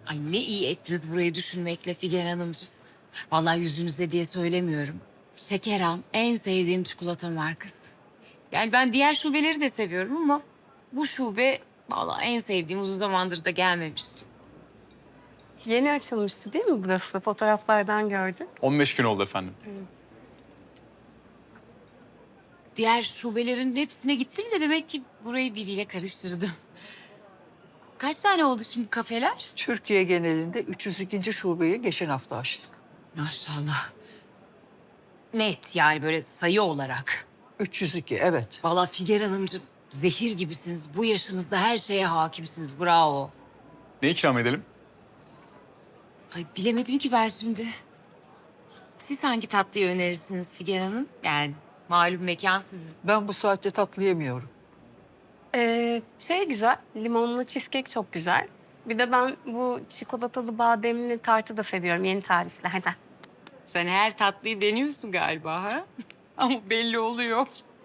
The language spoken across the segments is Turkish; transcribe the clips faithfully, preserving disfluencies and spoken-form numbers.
Ay ne iyi ettiniz burayı düşünmekle Figen Hanımcığım. Vallahi yüzünüze diye söylemiyorum. Şekeran en sevdiğim çikolata markası. Yani ben diğer şubeleri de seviyorum ama bu şube vallahi en sevdiğim, uzun zamandır da gelmemişti. Yeni açılmıştı değil mi burası? Fotoğraflardan gördüm. on beş gün oldu efendim. Diğer şubelerin hepsine gittim de demek ki burayı biriyle karıştırdım. Kaç tane oldu şimdi kafeler? Türkiye genelinde üç yüz ikinci şubeyi geçen hafta açtık. Maşallah. Net yani böyle sayı olarak. üç yüz iki, evet. Vallahi Figen Hanımcığım zehir gibisiniz. Bu yaşınızda her şeye hakimsiniz. Bravo. Ne ikram edelim? Ay bilemedim ki ben şimdi. Siz hangi tatlıyı önerirsiniz Figen Hanım? Yani malum mekan sizin. Ben bu saatte tatlı yemiyorum. Ee, şey güzel, limonlu cheesecake çok güzel. Bir de ben bu çikolatalı bademli tartı da seviyorum yeni tariflerden. Sen her tatlıyı deniyorsun galiba ha? Ama belli oluyor.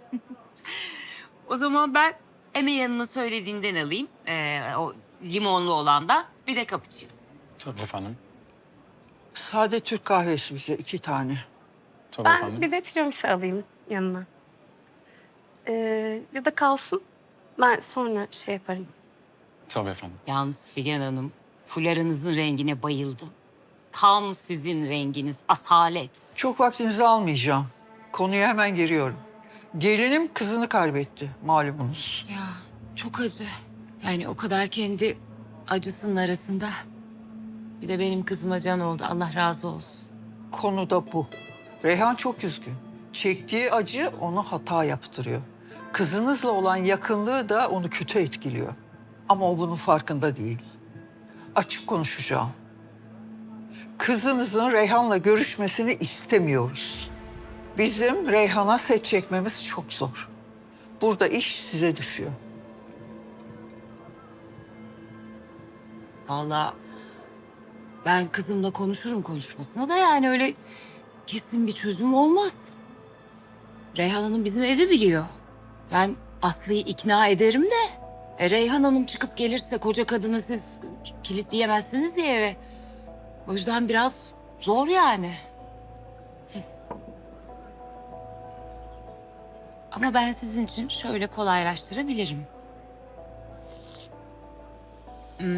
O zaman ben Emel Hanım'ın söylediğinden alayım. Ee, o limonlu olandan. Bir de cappuccino. Tabii efendim. Sade Türk kahvesi bize iki tane. Tabii Ben efendim. bir de tiramisu alayım yanına. Ee, ya da kalsın. Ben sonra şey yaparım. Tabii efendim. Yalnız Figen Hanım, fularınızın rengine bayıldım. Tam sizin renginiz, asalet. Çok vaktinizi almayacağım. Konuya hemen giriyorum. Gelinim kızını kaybetti malumunuz. Ya çok acı. Yani o kadar kendi acısının arasında. Bir de benim kızıma can oldu. Allah razı olsun. Konu da bu. Reyhan çok üzgün. Çektiği acı onu hata yaptırıyor. Kızınızla olan yakınlığı da onu kötü etkiliyor. Ama o bunun farkında değil. Açık konuşacağım. Kızınızın Reyhan'la görüşmesini istemiyoruz. Bizim Reyhan'a set çekmemiz çok zor. Burada iş size düşüyor. Vallahi ben kızımla konuşurum konuşmasına da yani öyle kesin bir çözüm olmaz. Reyhan Hanım bizim evi biliyor. Ben Aslı'yı ikna ederim de e, Reyhan Hanım çıkıp gelirse koca kadını siz kilitleyemezsiniz ya eve. O yüzden biraz zor yani. Hı. Ama ben sizin için şöyle kolaylaştırabilirim. Hmm.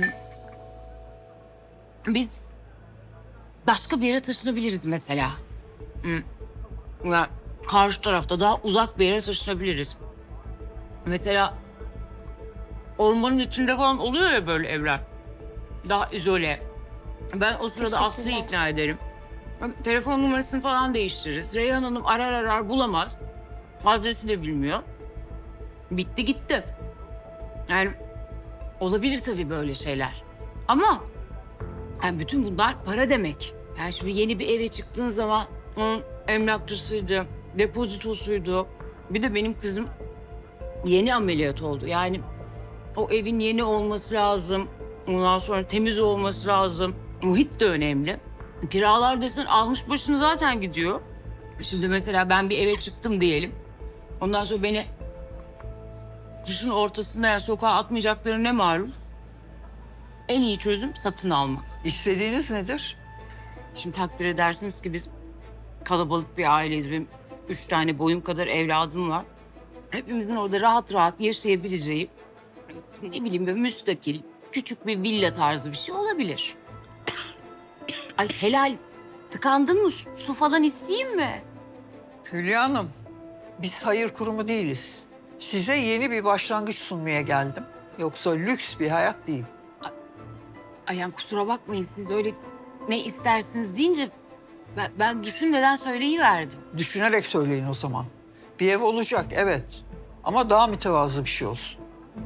Biz başka bir yere taşınabiliriz mesela. Hmm. Yani karşı tarafta daha uzak bir yere taşınabiliriz. Mesela ormanın içinde falan oluyor ya böyle evler. Daha izole. Ben o sırada Aslı'yı Teşekkürler. ikna ederim. Telefon numarasını falan değiştiririz. Reyhan Hanım arar arar bulamaz. Adresi de bilmiyor. Bitti gitti. Yani olabilir tabii böyle şeyler. Ama yani bütün bunlar para demek. Yani şimdi yeni bir eve çıktığın zaman onun emlakçısıydı, depozitosuydu. Bir de benim kızım yeni ameliyat oldu. Yani o evin yeni olması lazım. Ondan sonra temiz olması lazım. Muhit de önemli. Kiralar desen almış başını zaten gidiyor. Şimdi mesela ben bir eve çıktım diyelim. Ondan sonra beni kışın ortasında yani sokağa atmayacakları ne malum? En iyi çözüm satın almak. İstediğiniz nedir? Şimdi takdir edersiniz ki biz kalabalık bir aileyiz. Benim üç tane boyum kadar evladım var. Hepimizin orada rahat rahat yaşayabileceği, ne bileyim böyle müstakil, küçük bir villa tarzı bir şey olabilir. Ay helal, tıkandın mı? Su su falan isteyeyim mi? Hülya Hanım, biz hayır kurumu değiliz. Size yeni bir başlangıç sunmaya geldim. Yoksa lüks bir hayat değil. Ay yani kusura bakmayın siz öyle ne istersiniz deyince ben, ben düşünmeden söyleyiverdim. Düşünerek söyleyin o zaman. Bir ev olacak, evet. Ama daha mütevazı bir şey olsun.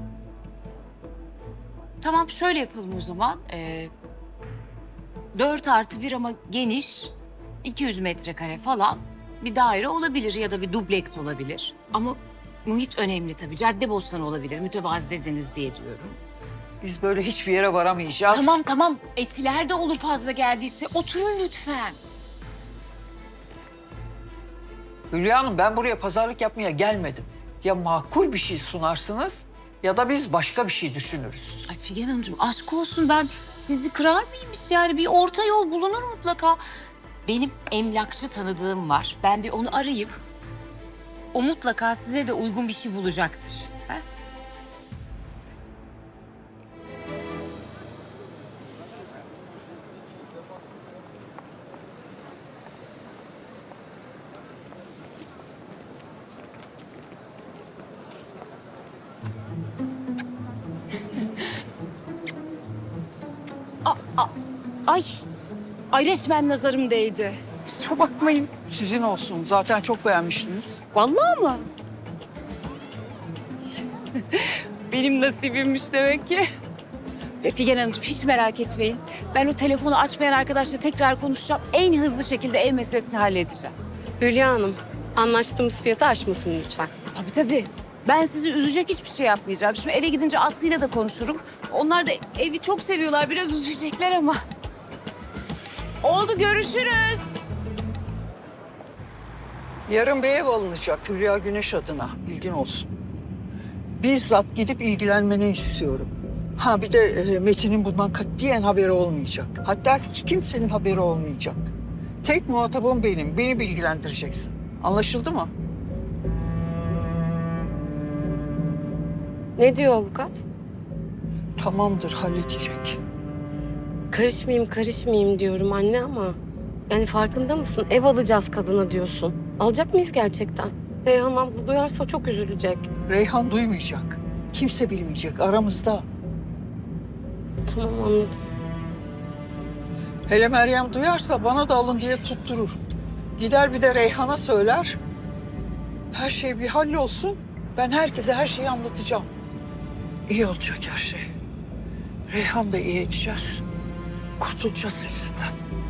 Tamam şöyle yapalım o zaman. Ee, dört artı bir ama geniş, iki yüz metrekare falan bir daire olabilir ya da bir dubleks olabilir. Ama muhit önemli tabii. Caddebostan olabilir. Mütevazi dediniz diye diyorum. Biz böyle hiçbir yere varamayacağız. Tamam tamam. Etiler de olur fazla geldiyse. Oturun lütfen. Hülya Hanım, ben buraya pazarlık yapmaya gelmedim. Ya makul bir şey sunarsınız Ya da biz başka bir şey düşünürüz. Ay Figen Hanımcığım aşk olsun, ben sizi kırar mıyım hiç? Yani bir orta yol bulunur mutlaka. Benim emlakçı tanıdığım var. Ben bir onu arayayım. O mutlaka size de uygun bir şey bulacaktır. Ha? Ay, ay resmen nazarım değdi. Kusura bakmayın. Sizin olsun. Zaten çok beğenmiştiniz. Vallahi mı? Benim nasibimmiş demek ki. Ve Figen Hanımcığım hiç merak etmeyin. Ben o telefonu açmayan arkadaşla tekrar konuşacağım. En hızlı şekilde ev meselesini halledeceğim. Hülya Hanım, anlaştığımız fiyatı aşmasın lütfen. Tabii tabii. Ben sizi üzecek hiçbir şey yapmayacağım. Şimdi eve gidince Aslı'yla da konuşurum. Onlar da evi çok seviyorlar. Biraz üzülecekler ama. Oldu, görüşürüz. Yarın bir ev alınacak Hülya Güneş adına. Bilgin olsun. Bizzat gidip ilgilenmeni istiyorum. Ha bir de e, Metin'in bundan katiyen haberi olmayacak. Hatta hiç kimsenin haberi olmayacak. Tek muhatabım benim. Beni bilgilendireceksin. Anlaşıldı mı? Ne diyor avukat? Tamamdır, halledecek. Karışmayayım, karışmayayım diyorum anne ama... Yani farkında mısın? Ev alacağız kadına diyorsun. Alacak mıyız gerçekten? Reyhan abla duyarsa çok üzülecek. Reyhan duymayacak. Kimse bilmeyecek aramızda. Tamam, anladım. Hele Meryem duyarsa bana da alın diye tutturur. Gider bir de Reyhan'a söyler. Her şey bir hallolsun. Ben herkese her şeyi anlatacağım. İyi olacak her şey. Reyhan da iyi edeceğiz. Kurtulacağız hepsinden.